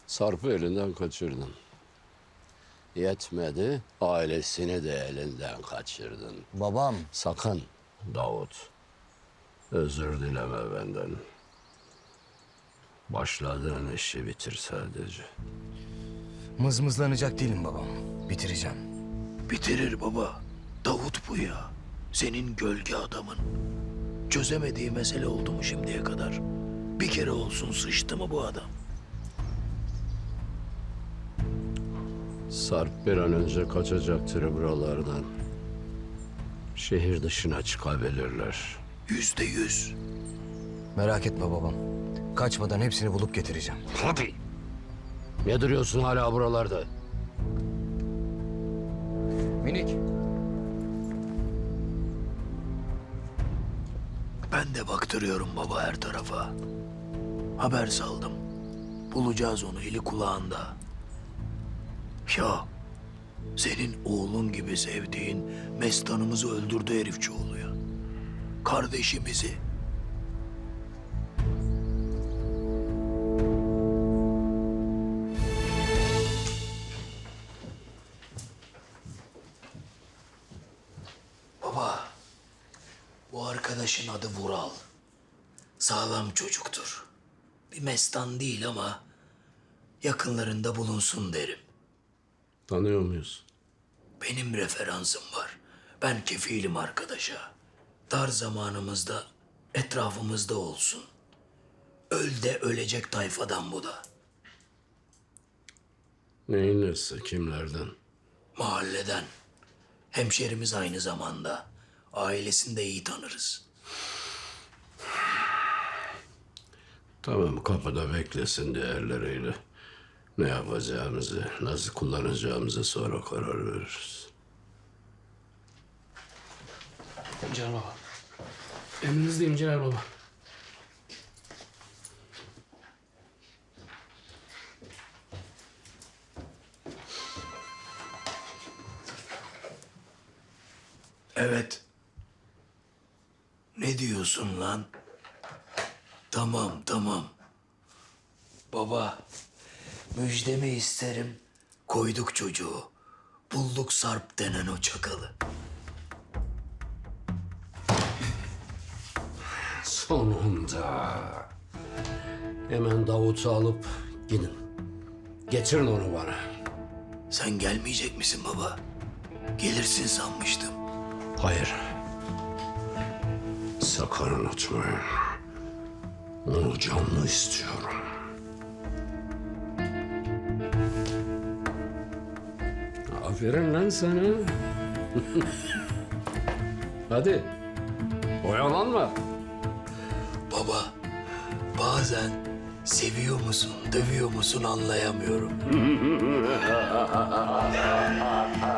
Sarp'ı elinden kaçırdın. Yetmedi, ailesini de elinden kaçırdın. Babam. Sakın Davut, özür dileme benden. Başladığın işi bitir sadece. Mızmızlanacak değilim babam. Bitireceğim. Bitirir baba. Davut bu ya. Senin gölge adamın. Çözemediği mesele oldu mu şimdiye kadar? Bir kere olsun sıçtı mı bu adam? Sarp bir an önce kaçacaktır buralardan. Şehir dışına çıkabilirler. %100. Merak etme babam. Kaçmadan hepsini bulup getireceğim. Hadi. Ne duruyorsun hala buralarda? Minik. Ben de baktırıyorum baba her tarafa. Haber saldım. Bulacağız onu, eli kulağında. Ya senin oğlun gibi sevdiğin Mestan'ımızı öldürdü herifçioğlu ya. Kardeşimizi. Baba, bu arkadaşın adı Vural. Sağlam çocuktur. Bir Mestan değil ama yakınlarında bulunsun derim. Tanıyor muyuz? Benim referansım var. Ben kefilim arkadaşa. Dar zamanımızda etrafımızda olsun. Öl de ölecek tayfadan bu da. Neyin nesi, kimlerden? Mahalleden. Hemşerimiz aynı zamanda. Ailesini de iyi tanırız. Tamam, kapıda beklesin diğerleriyle. Ne yapacağımızı, nasıl kullanacağımızı sonra karar veririz. Celal Baba. Emrinizdeyim Celal Baba. Evet. Ne diyorsun lan? Tamam, tamam. Baba, müjdemi isterim. Koyduk çocuğu. Bulduk Sarp denen o çakalı. Sonunda. Hemen Davut'u alıp gidin. Getirin onu bana. Sen gelmeyecek misin baba? Gelirsin sanmıştım. Hayır. Sakın unutmayın. Onu canlı istiyorum. Aferin lan sana. Hadi. Oyalanma. Baba, bazen seviyor musun, dövüyor musun anlayamıyorum.